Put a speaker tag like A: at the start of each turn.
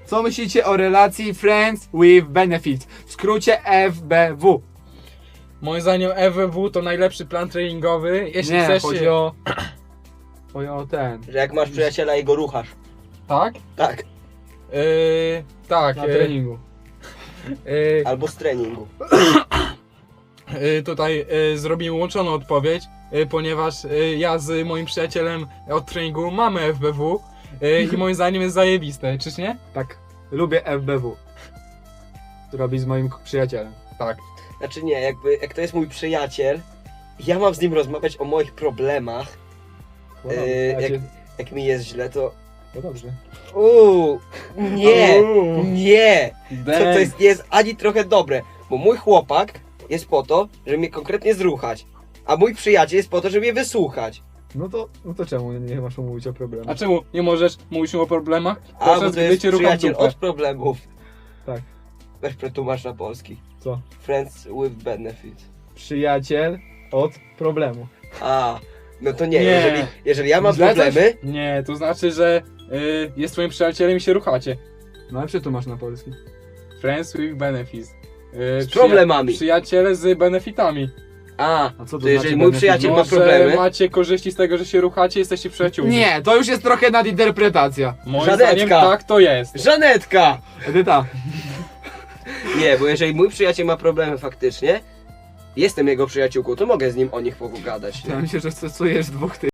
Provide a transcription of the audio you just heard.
A: Co myślicie o relacji Friends with Benefits? W skrócie FBW.
B: Moim zdaniem FWW to najlepszy plan treningowy, jeśli
A: Nie,
B: chcesz
A: chodzi
B: się...
A: o... Chodzi o ten...
C: Że jak masz przyjaciela i go ruchasz.
B: Tak?
C: Tak.
B: Tak.
A: Na treningu.
C: Albo z treningu.
B: Tutaj zrobimy łączoną odpowiedź, ponieważ ja z moim przyjacielem od treningu mamy FBW i moim zdaniem jest zajebiste, czyż nie?
A: Tak. Lubię FBW. To robi z moim przyjacielem.
B: Tak.
C: Znaczy nie, jak to jest mój przyjaciel, ja mam z nim rozmawiać o moich problemach.
A: No
C: Jak mi jest źle, to...
A: No dobrze.
C: Nie,
A: Uuu.
C: nie! To
B: Damn.
C: jest ani trochę dobre, bo mój chłopak jest po to, żeby mnie konkretnie zruchać, a mój przyjaciel jest po to, żeby mnie wysłuchać.
A: No to czemu nie masz mówić o problemie?
B: A czemu nie możesz mówić o problemach?
C: A, bo
B: Podczas
C: to
B: gdy
C: jest
B: cię rucham w
C: przyjaciel
B: dupę.
C: od problemów.
A: Tak.
C: Weź przetłumacz na polski.
A: Co?
C: Friends with benefits.
A: Przyjaciel od problemu.
C: A, no to nie,
B: Nie.
C: jeżeli ja mam
A: Źle coś?
C: problemy,
B: Nie, to znaczy, że jest twoim przyjacielem i się ruchacie.
A: No ale przetłumacz na polski.
B: Friends with benefits.
C: z problemami.
B: Przyjaciele z benefitami.
C: A
A: A co to
C: to jeżeli
A: znaczy
C: mój
A: benefit?
C: przyjaciel ma
B: Może
C: problemy,
B: macie korzyści z tego, że się ruchacie, jesteście przyjaciółmi.
A: Nie, to już jest trochę nadinterpretacja.
B: Moim
C: Żanetka.
B: zdaniem tak to jest.
C: Żanetka!
A: Edyta.
C: Nie, bo jeżeli mój przyjaciel ma problemy faktycznie, jestem jego przyjaciółką, to mogę z nim o nich pogadać.
A: Ja myślę, że stosujesz dwóch tych.